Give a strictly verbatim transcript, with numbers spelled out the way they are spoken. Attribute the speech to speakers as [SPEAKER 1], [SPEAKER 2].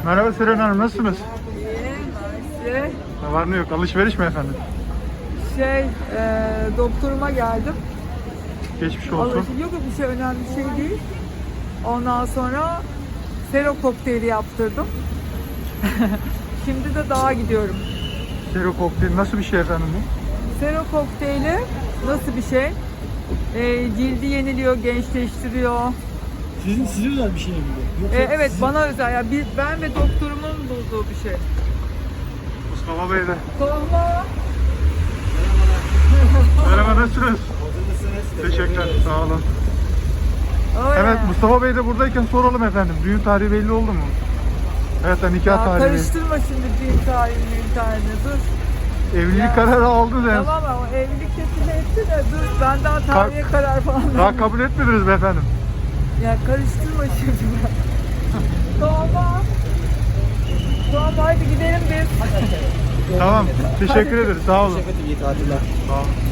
[SPEAKER 1] Merhaba Seren Hanım, nasılsınız?
[SPEAKER 2] İyi, mersi.
[SPEAKER 1] Ne var ne yok, alışveriş mi efendim?
[SPEAKER 2] Şey, e, doktoruma geldim.
[SPEAKER 1] Geçmiş olsun.
[SPEAKER 2] Alışveriş yok yok, bir şey önemli bir şey değil. Ondan sonra sero kokteyli yaptırdım. Şimdi de dağa gidiyorum.
[SPEAKER 1] Sero kokteyl nasıl bir şey efendim bu?
[SPEAKER 2] Sero kokteyli nasıl bir şey? E, cildi yeniliyor, gençleştiriyor.
[SPEAKER 3] Sizin size özel bir şey mi bu? Yoksa
[SPEAKER 2] E, evet,
[SPEAKER 3] sizin-
[SPEAKER 2] bana özel. Yani bir, ben ve doktorumun bulduğu bir şey.
[SPEAKER 1] Mustafa Bey de.
[SPEAKER 2] Tohma.
[SPEAKER 1] Merhaba, nasılsınız? Teşekkürler, sağ olun.
[SPEAKER 2] Öyle.
[SPEAKER 1] Evet, Mustafa Bey de buradayken soralım efendim. Düğün tarihi belli oldu mu? Evet, nikah
[SPEAKER 2] Ya
[SPEAKER 1] tarihi.
[SPEAKER 2] karıştırma şimdi düğün tarihini, düğün tarihini, dur.
[SPEAKER 1] Evlilik
[SPEAKER 2] Ya.
[SPEAKER 1] kararı aldınız en
[SPEAKER 2] Tamam ama o evlilik teklifi etti de dur, ben daha tarihe karar falan
[SPEAKER 1] Daha
[SPEAKER 2] vermedim.
[SPEAKER 1] kabul etmediniz mi efendim?
[SPEAKER 2] Ya karıştırma şimdi. Tamam. Tamam, hadi gidelim biz.
[SPEAKER 1] Tamam, teşekkür ederiz, sağ olun.
[SPEAKER 3] Şefkat iyi tatiller.
[SPEAKER 1] Sağ olun.